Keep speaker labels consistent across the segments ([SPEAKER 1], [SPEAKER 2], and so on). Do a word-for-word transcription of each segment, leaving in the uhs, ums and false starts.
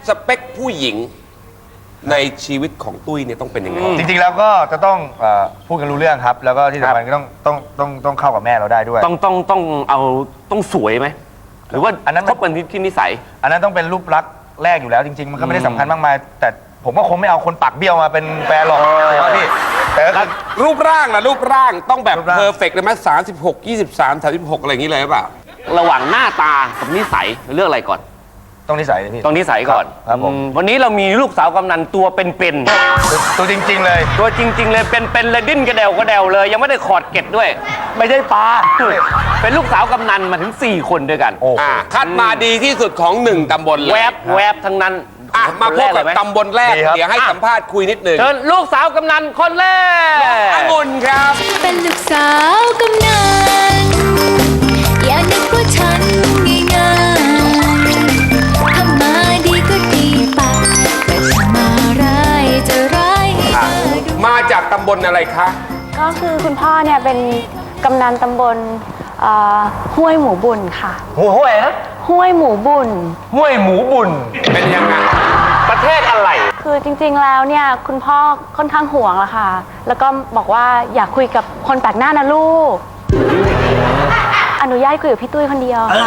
[SPEAKER 1] สเปคผู้หญิงในชีวิตของตุ้ยเนี่ยต้องเป็นยังไง
[SPEAKER 2] จริงๆแล้วก็จะต้องเอ่อพูดกันรู้เรื่องครับ แล้วก็ที่สำคัญก็ต้องต้องต้องต้องเข้ากับแม่เราได้ด้วย
[SPEAKER 3] ต้องต้องต้องเอาต้องสวยไหมหรือว่า
[SPEAKER 2] อันนั้น
[SPEAKER 3] คบกันที่ที่นิสัย
[SPEAKER 2] อันนั้นต้องเป็นรูปลักษณ์แรกอยู่แล้วจริงๆมันก็ไม่ได้สำคัญมากมายแต่ผมก็คงไม่เอาคนปากเบี้ยวมาเป็นแฟนหรอกพี่แต่ก็คือ
[SPEAKER 1] รูปร่างล่ะรูปร่างต้องแบบ
[SPEAKER 2] รูปร่าง
[SPEAKER 1] เพอร์เฟกต์เลยไหมสามสิบหกยี่สิบสามสามสิบหกอะไรอย่างนี้เลยหรือเปล่า
[SPEAKER 3] ระหว่างหน้าตากับนิสัยเลือกอะไรก่อน
[SPEAKER 2] ต้องนิสัยเลยพี่
[SPEAKER 3] ต้องนิสัยก่อน
[SPEAKER 2] ครับผม
[SPEAKER 3] อืมวันนี้เรามีลูกสาวกำนันตัวเป็น
[SPEAKER 2] ตัวจริง ๆ เลย
[SPEAKER 3] ๆตัวจริง ๆ เลยเป็นๆเลยดิ้นกระเดวกระเดวเลย ยังไม่ได้ขอดเกล็ดด้วย
[SPEAKER 2] ไม่ใช่ปลา
[SPEAKER 3] เป็นลูกสาวกำนันมาถึงสี่คนด้วยกัน
[SPEAKER 2] โอ้
[SPEAKER 1] อ่าคัดมาดีที่สุดของหนึ่งตำบลเลย
[SPEAKER 3] แวบแวบทั้งนั้น
[SPEAKER 1] อ่ะมาพบกับ
[SPEAKER 3] คนแรกเลยไห
[SPEAKER 1] ตำบลแรก
[SPEAKER 2] ดีครับ
[SPEAKER 1] เดี๋ยวให้สัมภาษณ์คุยนิดหนึ่ง
[SPEAKER 3] เชิญลูกสาวกำนันคนแรก
[SPEAKER 1] องุ่นครับ
[SPEAKER 4] เป็นลูกสาวกำนันอย่านึกว่าฉันง่ายๆทำมาดีก็ดีไปแต่ถ้ามาร้ายจะร้ายให้เธอดู
[SPEAKER 1] มาจากตำบลอะไรคะ
[SPEAKER 5] ก็คือคุณพ่อเนี่ยเป็นกำนันตำบลเอ่อห้วยหมูบุญค่ะ
[SPEAKER 2] หัวห้วยนะ
[SPEAKER 5] ห้วยหมูบุญ
[SPEAKER 2] ห้วยหมูบุญ
[SPEAKER 1] เป็นยังไง
[SPEAKER 3] ประเทศอะไร
[SPEAKER 5] คือจริงๆแล้วเนี่ยคุณพ่อค่อนข้างห่วงละค่ะ แล้วก็บอกว่าอยากคุยกับคนแปลกหน้านะลูก อนุญาตคุยกับพี่ตุ้ยคนเดียวค่ะ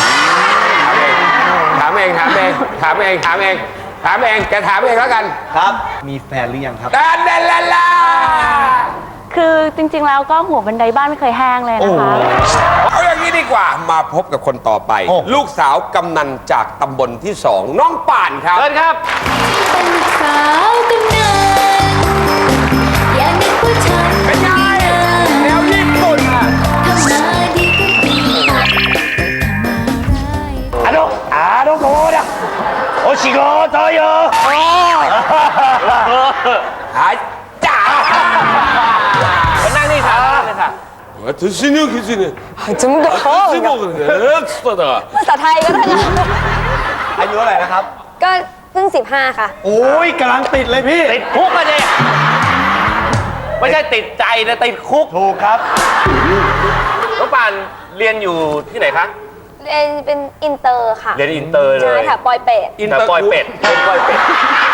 [SPEAKER 1] ถามเองถามเองถามเองถามเองถามเองแกถามเองแล้วกัน
[SPEAKER 2] ครับมีแฟนหรือยังครับ
[SPEAKER 1] ดานเดนลาลา
[SPEAKER 5] คือจริงๆแล้วก็หัวบันไดบ้านไม่เคยแห้งเลยนะคะ
[SPEAKER 1] เอาอย่างนี้ดีกว่ามาพบกับคนต่อไป
[SPEAKER 2] โอ้
[SPEAKER 1] ลูกสาวกำนันจากตำบลที่สองน้องป่านครับ
[SPEAKER 3] เชิญครับ
[SPEAKER 4] เป็นลูกสาวกำนันอย่านึกว่าฉัน
[SPEAKER 1] เป็นไงแนวญี่ปุ่นอ่ะ
[SPEAKER 4] ทำมาดีก็ดีไปแต่ถ้ามาร้าย
[SPEAKER 2] あのあの子だお仕事よ
[SPEAKER 1] หายจ้า
[SPEAKER 3] มานั่งนี่ค่ะนั่งนี่ค่ะ
[SPEAKER 1] 私の基準ね
[SPEAKER 6] 怎么都好
[SPEAKER 1] 私のねつっただ
[SPEAKER 6] ภาษาไทยก็ได้นะ
[SPEAKER 2] อายุเท่าไหร่นะครับ
[SPEAKER 6] ก็เพิ่งสิบห้าค่ะ
[SPEAKER 2] โอ้ยกำลังติดเลยพี่
[SPEAKER 3] ติดคุกอะเนี่ยไม่ใช่ติดใจนะติดคุก
[SPEAKER 2] ถูกครับ
[SPEAKER 3] น้องปานเรียนอยู่ที่ไหนคะ
[SPEAKER 6] เรียนเป็นอินเตอร์ค่ะ
[SPEAKER 3] เรียนอินเตอร์เล
[SPEAKER 6] ใช่
[SPEAKER 3] ย
[SPEAKER 6] ค่ะปอยเป็ด
[SPEAKER 1] อิน
[SPEAKER 3] แต่
[SPEAKER 1] เตอร์
[SPEAKER 3] ปล่อยเป็ดเรียนปล่อยเป็ด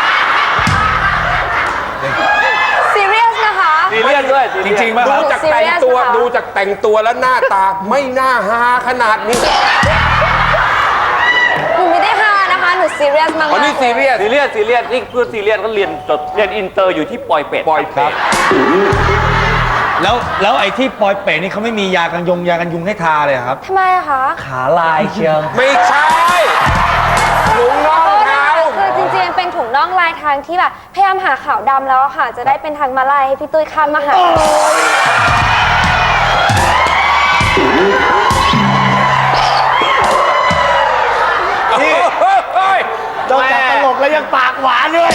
[SPEAKER 6] ซีเรียสนะคะ
[SPEAKER 3] ซีเรียสด้วย
[SPEAKER 2] จริงๆป่ะค
[SPEAKER 1] ดู
[SPEAKER 2] รับ
[SPEAKER 1] จากแต่งตัว
[SPEAKER 6] serious นะคะ
[SPEAKER 1] ดูจากแต่งตัวแล้วหน้าตาไม่น่าฮาขนาดนี้
[SPEAKER 6] หนูไม่ได้ฮานะคะ หนูซีเรียสมาก
[SPEAKER 1] อ๋อนี่
[SPEAKER 6] ๆ
[SPEAKER 1] ซีเรียส
[SPEAKER 3] ซีเรียสซีเรียสนี่เพื่อซีเรียสก็เรียนจบเรียนอินเตอร์อยู่ที่ปอยเป็ด
[SPEAKER 1] ปล่อยเป็ด
[SPEAKER 2] แล้วแล้วไอ้ที่ปอยเป๋นี่เขาไม่มียากันยงยากันยุงให้ทาเลยเหรอครับ
[SPEAKER 6] ทำไมอะคะ
[SPEAKER 2] ขาลายเชียว
[SPEAKER 1] ไม่ใช่ลุงน้อง
[SPEAKER 6] โทษนะ
[SPEAKER 1] เขา
[SPEAKER 6] คะคือจริงๆเป็นถุงน่องลายทางที่แบบพยายามหาขาวดำแล้วอะค่ะ จะได้เป็นทางมาลายให้พี่ตุ้ยข้ามมาหา
[SPEAKER 1] นี่เฮ้ย
[SPEAKER 2] นอกจากตลกแล้วยังปากหวานด้วย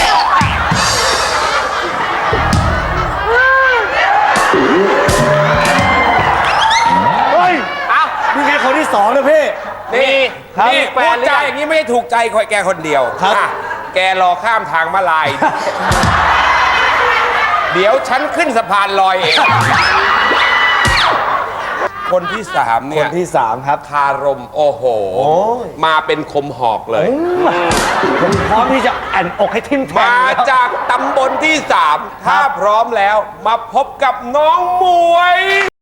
[SPEAKER 2] เฮ้ย
[SPEAKER 3] เอ้า
[SPEAKER 2] นี่แค่คนที่สองนะพี่
[SPEAKER 1] นี่
[SPEAKER 2] ครับ
[SPEAKER 1] นี่
[SPEAKER 3] แฟ
[SPEAKER 1] พู
[SPEAKER 3] น
[SPEAKER 1] ด
[SPEAKER 3] หรือ
[SPEAKER 1] จา
[SPEAKER 3] ยัง
[SPEAKER 1] อย่างนี้ไม่ได้ถูกใจแกคนเดียว
[SPEAKER 2] ครับ
[SPEAKER 1] อ่ะแกรอข้ามทางมาลาย เดี๋ยวฉันขึ้นสะพานลอยเอง คนที่สาม
[SPEAKER 2] ค
[SPEAKER 1] เนี่
[SPEAKER 2] น
[SPEAKER 1] ย
[SPEAKER 2] ที่สามครับ
[SPEAKER 1] คารมโอ้โห
[SPEAKER 2] ย
[SPEAKER 1] มาเป็นคมหอกเลย
[SPEAKER 2] ผมพร้อมที่จะแอนอกให้ทิ่มแทง
[SPEAKER 1] มา
[SPEAKER 2] แล้ว
[SPEAKER 1] จากตำบลที่สามถ้าพร้อมแล้วมาพบกับน้องหมวย